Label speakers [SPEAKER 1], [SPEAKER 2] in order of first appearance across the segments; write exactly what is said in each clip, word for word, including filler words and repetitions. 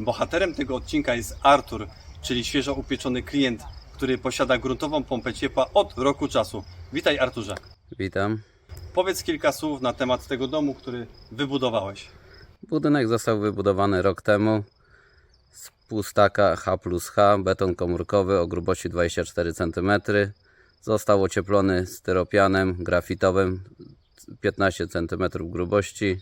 [SPEAKER 1] Bohaterem tego odcinka jest Artur, czyli świeżo upieczony klient, który posiada gruntową pompę ciepła od roku czasu. Witaj, Arturze.
[SPEAKER 2] Witam.
[SPEAKER 1] Powiedz kilka słów na temat tego domu, który wybudowałeś.
[SPEAKER 2] Budynek został wybudowany rok temu z półstaka H plus H, beton komórkowy o grubości dwadzieścia cztery centymetry. Został ocieplony styropianem grafitowym piętnaście centymetrów grubości.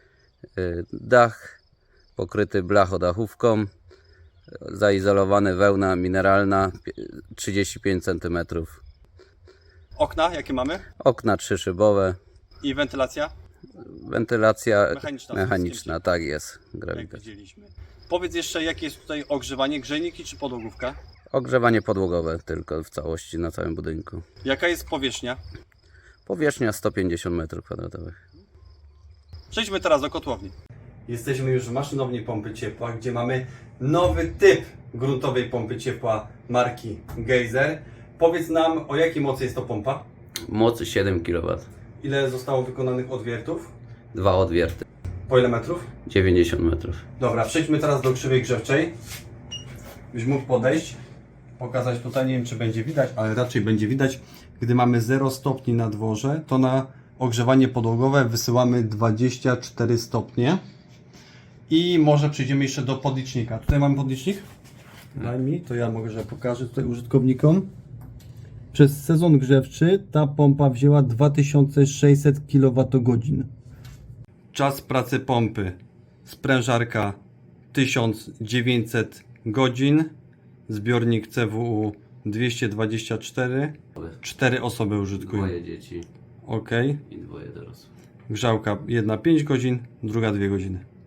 [SPEAKER 2] Dach pokryty blachodachówką, zaizolowany wełna mineralna trzydzieści pięć centymetrów.
[SPEAKER 1] Okna jakie mamy?
[SPEAKER 2] Okna trzyszybowe.
[SPEAKER 1] I wentylacja?
[SPEAKER 2] Wentylacja
[SPEAKER 1] Mechaniczna.
[SPEAKER 2] mechaniczna, tak jest.
[SPEAKER 1] Jak
[SPEAKER 2] Grawitacja.
[SPEAKER 1] widzieliśmy. Powiedz jeszcze, jakie jest tutaj ogrzewanie, grzejniki czy podłogówka?
[SPEAKER 2] Ogrzewanie podłogowe tylko w całości na całym budynku.
[SPEAKER 1] Jaka jest powierzchnia?
[SPEAKER 2] Powierzchnia sto pięćdziesiąt metrów kwadratowych.
[SPEAKER 1] Przejdźmy teraz do kotłowni. Jesteśmy już w maszynowni pompy ciepła, gdzie mamy nowy typ gruntowej pompy ciepła marki Geyser. Powiedz nam, o jakiej mocy jest to pompa?
[SPEAKER 2] Moc siedem kilowatów.
[SPEAKER 1] Ile zostało wykonanych odwiertów?
[SPEAKER 2] Dwa odwierty.
[SPEAKER 1] Po ile metrów?
[SPEAKER 2] dziewięćdziesiąt metrów.
[SPEAKER 1] Dobra, przejdźmy teraz do krzywej grzewczej. Byś mógł podejść, pokazać tutaj, nie wiem czy będzie widać, ale raczej będzie widać. Gdy mamy zero stopni na dworze, to na ogrzewanie podłogowe wysyłamy dwadzieścia cztery stopnie. I może przejdziemy jeszcze do podlicznika. Tutaj mamy podlicznik. Daj mi, to ja mogę, że pokażę tutaj użytkownikom. Przez sezon grzewczy ta pompa wzięła dwa tysiące sześćset kilowatogodzin. Czas pracy pompy. Sprężarka tysiąc dziewięćset godzin. Zbiornik C W U dwieście dwadzieścia cztery. cztery osoby użytkują.
[SPEAKER 2] Dwoje dzieci
[SPEAKER 1] Ok.
[SPEAKER 2] i dwoje dorosłych.
[SPEAKER 1] Grzałka jedna pięć godzin, druga dwie godziny.